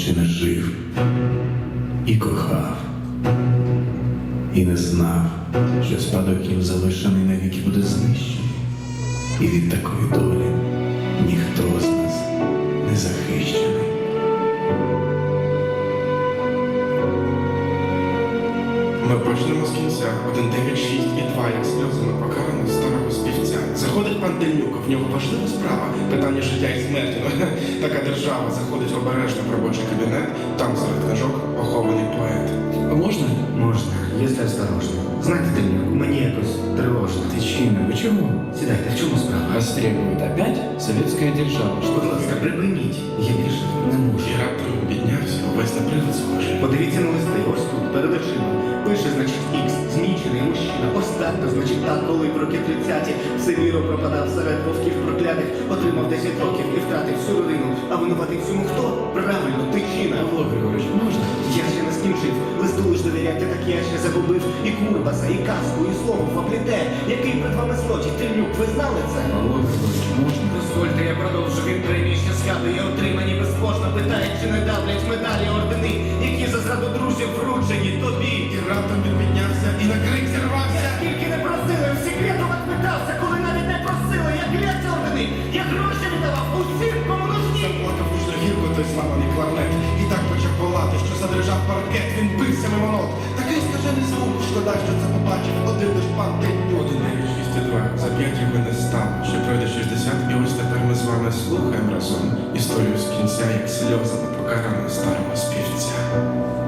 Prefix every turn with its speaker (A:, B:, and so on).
A: ще не жив і кохав, і не знав, що спадок їм залишений навіки буде знищений, і від такої долі ніхто з нас не захищений.
B: Ми почнемо з кінця. 1, 9, 6 і 2, як сльозами покарано старого співця. Заходить пан Тельнюк, в нього важлива справа, питання життя і смерті. Така держава. Заходить обережно в робочий кабінет, там серед книжок похований поет.
C: Можно?
D: Можно, если осторожно. Знаете, Тельнюк, мені якось тривожно.
C: Тичина, вы чего?
D: Сідайте, в чому справа?
C: Вас требует опять советская держава.
D: Будь ласка, припиніть. Я більше не можу.
B: І раптом піднявся, увесь на привид схожий.
D: Подивіться на листи, ось тут, перед очима. Пише, значить, Ікс, змічений мужчина. Ось так, то, значить, так, коли в роки 30-ті все віро пропадав серед вовків проклятих, отримав 10 років і втратив всю родину. А винуватий всьому хто? Правильно, Тичина.
C: Павло Григорович, можно?
D: Я ще не скінчив, листу лиш довіряти, так я ще загубив і Курбаса, і казку, і слово вопліте. Який перед вами злочин, Тельнюк, ви знали це?
C: Павло Григорович, можно?
D: Дозвольте, я продовжу від премії, що згадує отримані безбожно. Питають, чи не давлять медалі ордени, які за зраду друзів вручені тобі.
B: І раптом він піднявся і на крик зірвався.
D: Скільки не просили, в секретуват питався, коли навіть не просили, як ляться ордени, я гроші віддавав усім, кому нужні.
B: Заплакав гучно гірко той славаний кларнет. І так почав волати, що задрижав паркет. Він бився мимо нот. Такий скажений звук, шкода, що це побачив один лиш пан Тельнюк. 1, 9, 6 і 2. За 5 його не стало. Ще пройде 60, і ось тепер ми з вами слухаємо разом історію з кінця, як сльозами покарано старого співця.